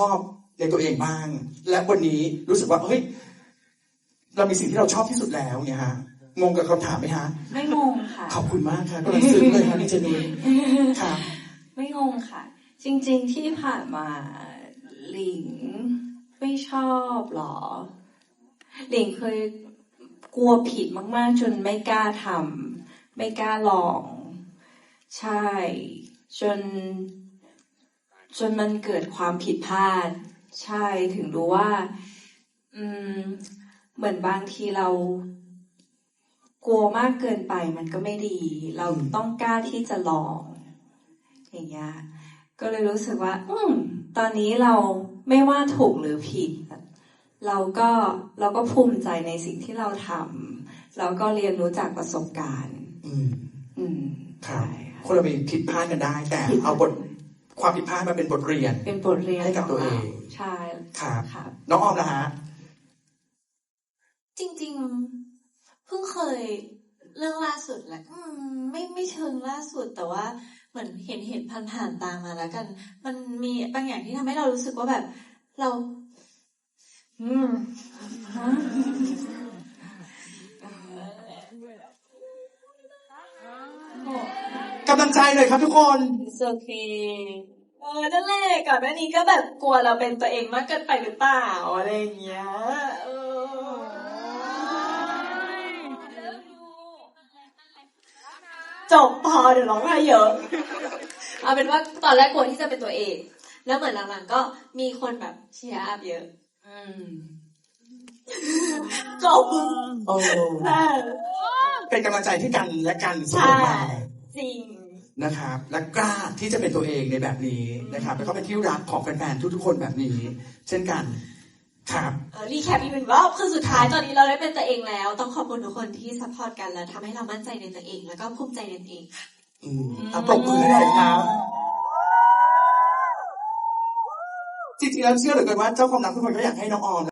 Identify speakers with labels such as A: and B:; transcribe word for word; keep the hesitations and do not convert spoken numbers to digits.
A: อบในตัวเองบ้างและวันนี้รู้สึกว่าเฮ้ยเรามีสิ่งที่เราชอบที่สุดแล้วเนี่ยฮะงงกับคำถามไหมฮะ
B: ไม่งงค่ะ
A: ขอบคุณมากค่ะกำลังซึ้งเลยค่ะนี่เจนุ้ยค่ะ
B: ไม่งงค่ะจริงๆที่ผ่านมาหลิงไม่ชอบหรอหลิงเคยกลัวผิดมากๆจนไม่กล้าทำไม่กล้าลองใช่จนจนมันเกิดความผิดพลาดใช่ถึงรู้ว่าอืมเหมือนบางทีเรากลัวมากเกินไปมันก็ไม่ดีเราต้องกล้าที่จะลองอย่างเงี้ยก็เลยรู้สึกว่าอืมตอนนี้เราไม่ว่าถูกหรือผิดเราก็เราก็ภูมิใจในสิ่งที่เราทำแล้วก็เรียนรู้จากประสบการณ์
A: อืม
B: อืม
A: ครับคนเรามีผิดพลาดกันได้แต่เอาบทความผิดพลาดมาเป็นบทเรียน
B: เป็นบทเรียน
A: ให้กับตัวเอง
B: ใช่
A: ครับน้องออมนะฮะ
C: จริงๆเพิ่งเคยเรื่องล่าสุดแหละอืมไม่ไม่เชิงล่าสุดแต่ว่าเหมือนเห็นเห็นผ่านๆตามมาแล้วกันมันมีบางอย่างที่ทำให้เรารู้สึกว่าแบบเราอืม
A: กำลังใจเลยครับทุกคน
C: โอเคเออนั่นแหละก่อนหน้านี้ก็แบบกลัวเราเป็นตัวเองมากเกินไปหรือเปล่าอะไรอย่างเงี้ยเออจบพอเดี๋ยวร้องไห้เยอะเอาเป็นว่าตอนแรกกลัวที่จะเป็นตัวเองแล้วเหมือนหลังๆก็มีคนแบบเชียร์อัพเยอะอืมจบ
A: โอ้เป็นกำลังใจที่กันและกันเสมอมา
C: จริง
A: นะครับและกล้าที่จะเป็นตัวเองในแบบนี้นะครับแล้วก็เป็นที่รักของแฟนๆทุกๆคนแบบนี้เช่นกันครับ
C: เออรีแคปอีกหนึ่งรอบคือสุดท้ายตอนนี้เราได้เป็นตัวเองแล้วต้องขอบคุณทุกคนที่ซัพพอร์ตกันและทำให้เรามั่นใจในตัวเองแล้วก็ภูมิใจในตัวเองค่ะ
A: อืมอ่ะปรบมือหน่อยครับจริงๆแล้วเชื่อเหลือเกินว่าเจ้าความรักทุกคนก็อยากให้น้องออม